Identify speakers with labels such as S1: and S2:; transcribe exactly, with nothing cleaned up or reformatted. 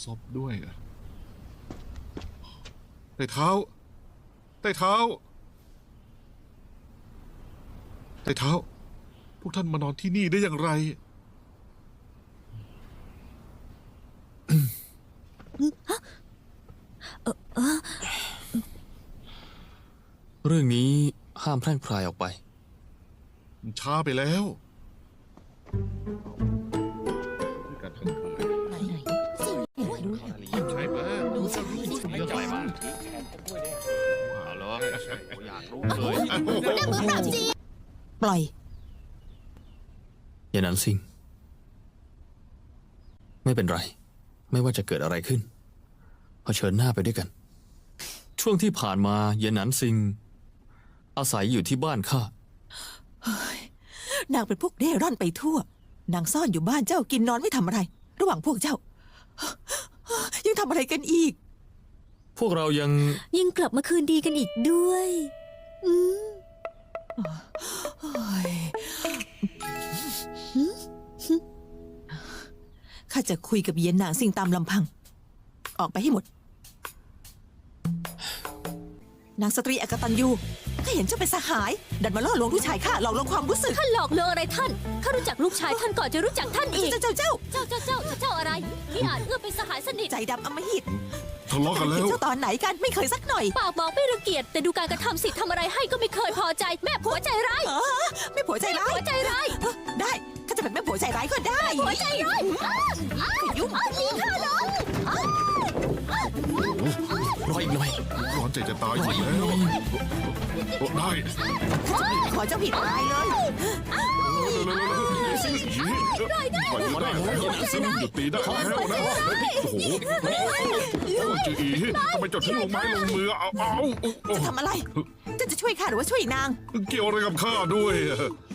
S1: ซบด้วยอะใต้เท้าใต้เท้าใต้เท้าพวกท่านมานอนที่นี่ได้อย่างไร
S2: เรื่องนี้ห้ามแพร่งพรายออกไป
S1: มันช้าไปแล้วการทั้งคืนใช่ไหมดูสิไม่ใจมากเอาเหรออยากรู้เลย
S3: ปล่อย
S2: อย่านั้นสิงไม่เป็นไรไม่ว่าจะเกิดอะไรขึ้นเผชิญหน้าไปด้วยกันช่วงที่ผ่านมาเยนหนันซิงอาศัยอยู่ที่บ้านข้าน
S3: างเป็นพวกเร่ร่อนไปทั่วนางซ่อนอยู่บ้านเจ้ากินนอนไม่ทำอะไรระหว่างพวกเจ้ายังทำอะไรกันอีก
S2: พวกเรายัง
S4: ยังกลับมาคืนดีกันอีกด้วยอืม
S3: ข้าจะคุยกับเย็นนางซิงตามลำพังออกไปให้หมดนางสตรีอกตัญญูข้าเห็นเจ้าเป็นสหายดันมาล่อลวงลูกชายข้าหลอกลวงความรู้สึก
S4: ท่านหลอกลวงอะไรท่านข้ารู้จักลูกชายท่านก่อนจะรู้จักท่านอีก
S3: เจ้าเจ้าเจ้า
S4: เจ้าเจ้าเจ้าเจ้าอะไรที่อาจเอื้อเป็นสหายสนิท
S3: ใจดำอำมหิต
S1: ทะเลาะกันแล้ว
S3: เจ้าตอนไหนกันไม่เคยสักหน่อย
S4: ปากบอกไม่รังเกียจแต่ดูการกระทำสิทำอะไรให้ก็ไม่เคยพอใจแม่ผัวใจร้าย
S3: แม่ผัวใจร้าย
S4: ผัวใจร้าย
S3: ได้ข้าจะเป็นแม่ผัวใจร้ายก็ได้
S4: ผัวใจร้าย
S3: ยุ่ง
S4: ตีข้าลง
S2: รออีกหน่อย
S1: ร้อนใจจะตายอยู่แล้วได้
S3: ขอเจ้าผิดตายเลย
S1: ปล่อยได้ซิงหยุดตีได้แล้วนะโอ้โหจีอีทำไมจดถึงลงไม้ลงมือเอาเอา
S3: จะทำอะไรจะจะช่วยข้าหรือว่าช่วยนาง
S1: เกี่ยวอะไรกับข้าด้วย